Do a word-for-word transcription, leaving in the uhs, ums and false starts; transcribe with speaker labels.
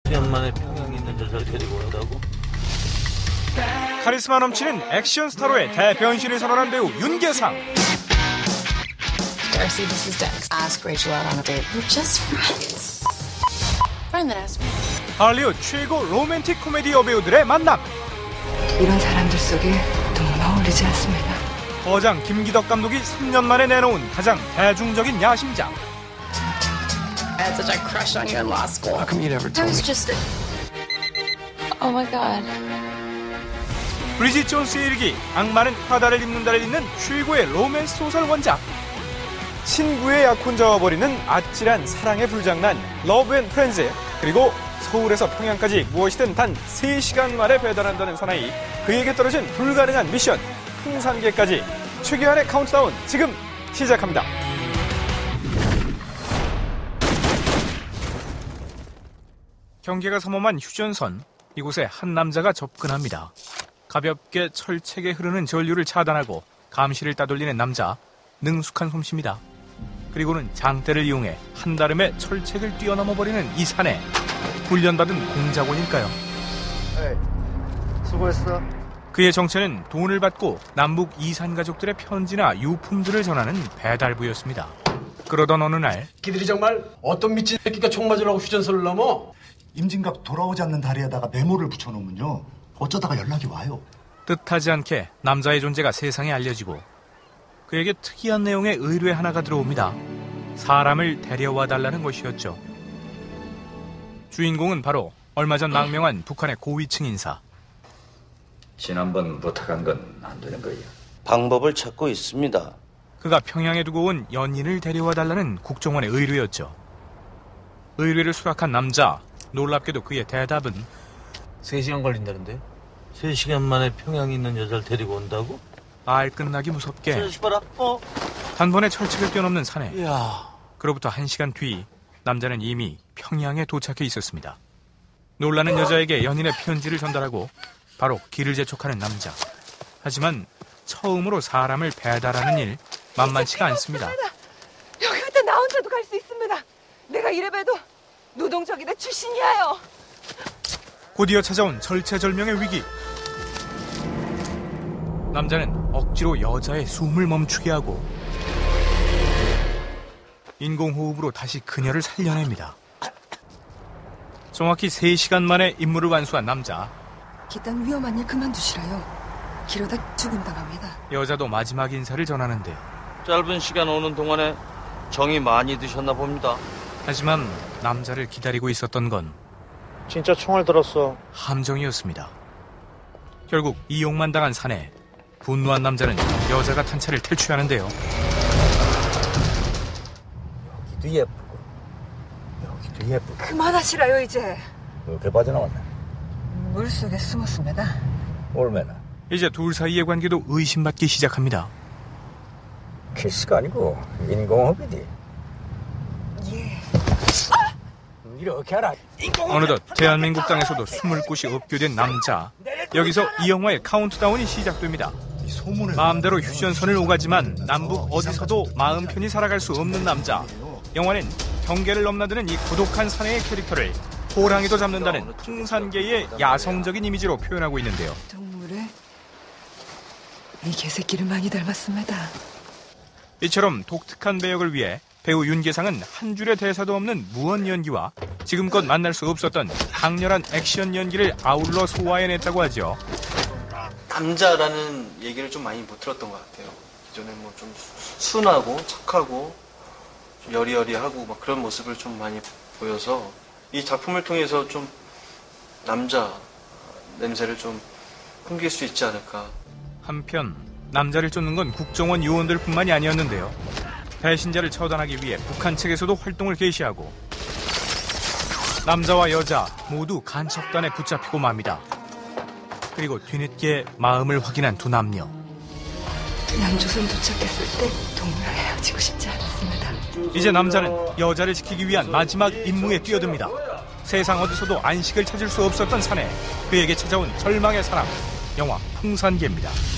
Speaker 1: 시간 만에 평양에 있는 여자를 데리고 온다고?
Speaker 2: 카리스마 넘치는 액션 스타로의 대변신을 선언한 배우 윤계상.
Speaker 3: Darcy, this is Dex. Ask Rachel out on a date. We're just friends. Friend that asked me.
Speaker 2: 할리우드 최고 로맨틱 코미디 여배우들의 만남.
Speaker 4: 이런 사람들 속에 너무 어울리지 않습니다.
Speaker 2: 거장 김기덕 감독이 삼 년 만에 내놓은 가장 대중적인 야심작.
Speaker 3: I had such a crush on you in law school.
Speaker 5: How come you never told
Speaker 3: I was
Speaker 5: me?
Speaker 3: just. Oh my god.
Speaker 2: 브리짓 존스의 일기, 악마는 프라다를 입는다를 잇는 최고의 로맨스 소설 원작. 친구의 약혼자와 벌이는 아찔한 사랑의 불장난 러브 앤 프렌즈, 그리고 서울에서 평양까지 무엇이든 단 세 시간 만에 배달한다는 사나이, 그에게 떨어진 불가능한 미션 풍산계까지. 최규환의 카운트다운 지금 시작합니다. 경계가 삼엄한 휴전선, 이곳에 한 남자가 접근합니다. 가볍게 철책에 흐르는 전류를 차단하고 감시를 따돌리는 남자, 능숙한 솜씨입니다. 그리고는 장대를 이용해 한다름에 철책을 뛰어넘어버리는 이 사내, 훈련받은 공작원일까요?
Speaker 6: 에이, 수고했어.
Speaker 2: 그의 정체는 돈을 받고 남북 이산 가족들의 편지나 유품들을 전하는 배달부였습니다. 그러던 어느 날,
Speaker 5: 끼들이 정말 어떤 미친 새끼가 총 맞으려고 휴전선을 넘어?
Speaker 7: 임진각 돌아오지 않는 다리에다가 메모를 붙여놓으면요, 어쩌다가 연락이 와요.
Speaker 2: 뜻하지 않게 남자의 존재가 세상에 알려지고 그에게 특이한 내용의 의뢰 하나가 들어옵니다. 사람을 데려와 달라는 것이었죠. 주인공은 바로 얼마 전 망명한 북한의 고위층 인사.
Speaker 8: 지난번 부탁한 건 안 되는 거예요.
Speaker 1: 방법을 찾고 있습니다.
Speaker 2: 그가 평양에 두고 온 연인을 데려와 달라는 국정원의 의뢰였죠. 의뢰를 수락한 남자, 놀랍게도 그의 대답은
Speaker 1: 세 시간 걸린다는데? 세 시간 만에 평양에 있는 여자를 데리고 온다고?
Speaker 2: 말 끝나기 무섭게
Speaker 1: 자식 봐라. 어?
Speaker 2: 단번에 철책을 뛰어넘는 사내.
Speaker 1: 이야.
Speaker 2: 그로부터 한 시간 뒤, 남자는 이미 평양에 도착해 있었습니다. 놀라는 여자에게 연인의 편지를 전달하고 바로 길을 재촉하는 남자. 하지만 처음으로 사람을 배달하는 일 만만치가 않습니다.
Speaker 4: 여기부터 나 혼자도 갈 수 있습니다. 내가 이래봬도 노동적이다 출신이야요.
Speaker 2: 곧이어 찾아온 절체절명의 위기. 남자는 억지로 여자의 숨을 멈추게 하고 인공호흡으로 다시 그녀를 살려냅니다. 정확히 세 시간 만에 임무를 완수한 남자.
Speaker 4: 기딴 위험한 일 그만두시라요. 기러다 죽음당합니다.
Speaker 2: 여자도 마지막 인사를 전하는데,
Speaker 1: 짧은 시간 오는 동안에 정이 많이 드셨나 봅니다.
Speaker 2: 하지만 남자를 기다리고 있었던 건
Speaker 6: 진짜 총을 들었어.
Speaker 2: 함정이었습니다. 결국 이용만 당한 사내, 분노한 남자는 여자가 탄 차를 탈취하는데요.
Speaker 8: 여기도 예쁘고 여기도 예쁘고.
Speaker 4: 그만하시라요 이제.
Speaker 8: 이렇게 빠져나왔네.
Speaker 4: 물속에 숨었습니다.
Speaker 8: 올매나
Speaker 2: 이제 둘 사이의 관계도 의심받기 시작합니다.
Speaker 8: 키스가 아니고 인공호흡이지.
Speaker 4: 예.
Speaker 8: 이렇게 하라.
Speaker 2: 어느덧 대한민국 땅에서도 숨을 곳이 없게 된 남자. 여기서 이 영화의 카운트다운이 시작됩니다. 마음대로 휴전선을 오가지만 남북 어디서도 마음 편히 살아갈 수 없는 남자. 영화는 경계를 넘나드는 이 고독한 사내의 캐릭터를 호랑이도 잡는다는 풍산계의 야성적인 이미지로 표현하고 있는데요.
Speaker 4: 동물의 이 개새끼를 많이 닮았습니다.
Speaker 2: 이처럼 독특한 배역을 위해 배우 윤계상은 한 줄의 대사도 없는 무언 연기와 지금껏 만날 수 없었던 강렬한 액션 연기를 아울러 소화해냈다고 하죠.
Speaker 9: 남자라는 얘기를 좀 많이 못 들었던 것 같아요. 기존에 뭐 좀 순하고 착하고 좀 여리여리하고 막 그런 모습을 좀 많이 보여서 이 작품을 통해서 좀 남자 냄새를 좀 풍길 수 있지 않을까.
Speaker 2: 한편 남자를 쫓는 건 국정원 요원들뿐만이 아니었는데요. 배신자를 처단하기 위해 북한 측에서도 활동을 개시하고 남자와 여자 모두 간첩단에 붙잡히고 맙니다. 그리고 뒤늦게 마음을 확인한 두 남녀.
Speaker 4: 남조선 도착했을 때 동물랑 헤어지고 싶지 않았습니다.
Speaker 2: 이제 남자는 여자를 지키기 위한 마지막 임무에 뛰어듭니다. 세상 어디서도 안식을 찾을 수 없었던 사내, 그에게 찾아온 절망의 사랑. 영화 풍산계입니다.